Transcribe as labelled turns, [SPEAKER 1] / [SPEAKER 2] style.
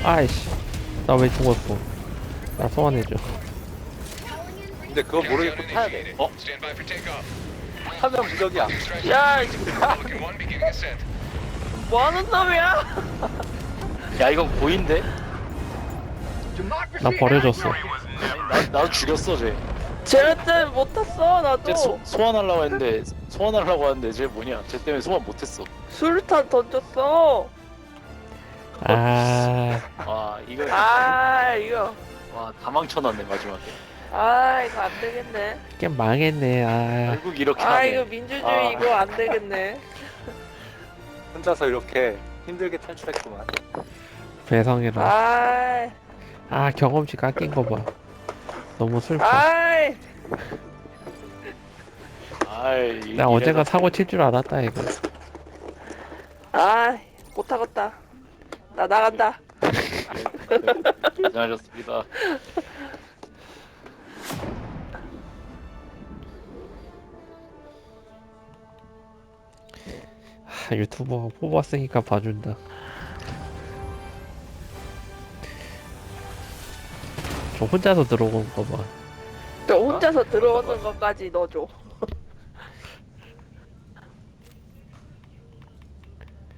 [SPEAKER 1] 아이씨, 나 왜 죽었어? 나 소환해줘.
[SPEAKER 2] 근데 그거 모르겠고 타야 돼. 어?
[SPEAKER 3] Stand by for takeoff.
[SPEAKER 2] 타면 무적이야.
[SPEAKER 4] 야,
[SPEAKER 3] Falcon 1 beginning ascent.
[SPEAKER 4] 뭐하는 놈이야?
[SPEAKER 5] 야 이건 고인데?
[SPEAKER 1] 나 버려졌어.
[SPEAKER 5] 나도 죽였어 쟤.
[SPEAKER 4] 쟤 때문에 못 탔어, 나도.
[SPEAKER 5] 쟤 소환하려고 했는데 쟤 뭐냐? 쟤 때문에 소환 못했어.
[SPEAKER 4] 수류탄 던졌어.
[SPEAKER 1] 아,
[SPEAKER 5] 와 이거
[SPEAKER 4] 이거.
[SPEAKER 5] 와다 망쳐놨네 마지막에.
[SPEAKER 4] 이거 안 되겠네.
[SPEAKER 1] 게임 망했네. 아,
[SPEAKER 5] 결국 이렇게 하네.
[SPEAKER 4] 이거 민주주의 이거 안 되겠네.
[SPEAKER 2] 혼자서 이렇게 힘들게 탈출했구만.
[SPEAKER 1] 배성이라.
[SPEAKER 4] 아이,
[SPEAKER 1] 경험치 깎인 거 봐. 너무 슬퍼.
[SPEAKER 4] 아이.
[SPEAKER 1] 나 언젠가 사고 칠 줄 알았다, 이거.
[SPEAKER 4] 못 하겠다. 나 나간다.
[SPEAKER 5] 고생하셨습니다.
[SPEAKER 1] 유튜버가 뽑았으니까 봐준다. 저 혼자서 들어온 거 봐.
[SPEAKER 4] 저 혼자서 들어오는 것까지 넣어줘.